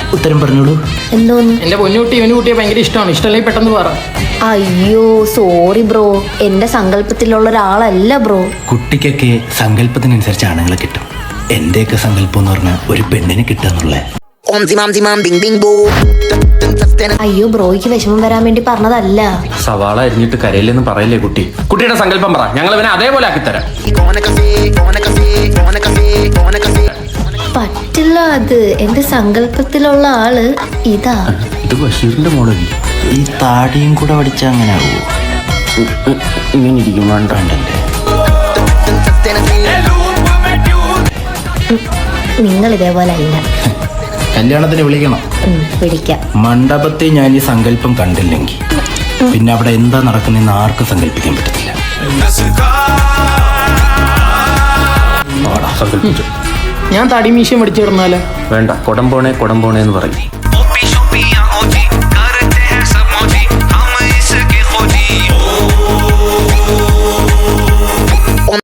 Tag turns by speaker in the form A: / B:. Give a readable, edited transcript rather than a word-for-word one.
A: ഉത്തരം പറഞ്ഞോളൂ.
B: എന്തോന്ന്?
C: എന്റെ പൊന്നുകുട്ടി ഇവന് കുട്ടിയെ ഭയങ്കര ഇഷ്ടമാണ്. ഇഷ്ടമല്ലെങ്കിൽ പെട്ടെന്ന് പറ.
B: അയ്യോ സോറി ബ്രോ, എന്റെ സങ്കല്പത്തിലുള്ള ഒരാളല്ല ബ്രോ.
A: കുട്ടിക്കൊക്കെ സങ്കല്പത്തിനനുസരിച്ച് ആണുങ്ങളെ കിട്ടും. എന്റെയൊക്കെ സങ്കല്പം എന്ന് പറഞ്ഞാൽ ഒരു പെണ്ണിനെ കിട്ടുക.
B: അയ്യോ ബ്രോയ്ക്ക് വിഷമം വരാൻ വേണ്ടി പറഞ്ഞതല്ല.
D: സവാള അരിഞ്ഞിട്ട് കരയില്ലെന്ന് പറയില്ലേ കുട്ടി. കുട്ടിയുടെ സങ്കല്പം പറ, ഞങ്ങൾ ഇവനെ അതേപോലെ ആക്കിത്തരാം.
B: പറ്റില്ല, അത് എന്റെ സങ്കല്പത്തിലുള്ള ആള് ഇതാ.
D: ഇത് ബഷീറിന്റെ മോഡല്ലേ?
A: ഈ താടിയും കൂടെ പഠിച്ചാൽ അങ്ങനെ ആവുമോ?
D: ഇങ്ങനെ ഇരിക്കും വേണ്ടല്ലേ?
B: നിങ്ങൾ ഇതേപോലെ അല്ല.
A: കല്യാണത്തിന് വിളിക്കണം.
B: പിടിക്കാം.
A: മണ്ഡപത്തിൽ ഞാൻ ഈ സങ്കല്പം കണ്ടില്ലെങ്കിൽ പിന്നെ അവിടെ എന്താ നടക്കുന്നതെന്ന് ആർക്കും സങ്കല്പിക്കാൻ പറ്റത്തില്ല.
D: സങ്കല്പിച്ചു.
C: ഞാൻ തടി മീശയും പഠിച്ചിരുന്നാലോ?
D: വേണ്ട, കൊടംപോണേ കൊടംപോണേ എന്ന് പറയും.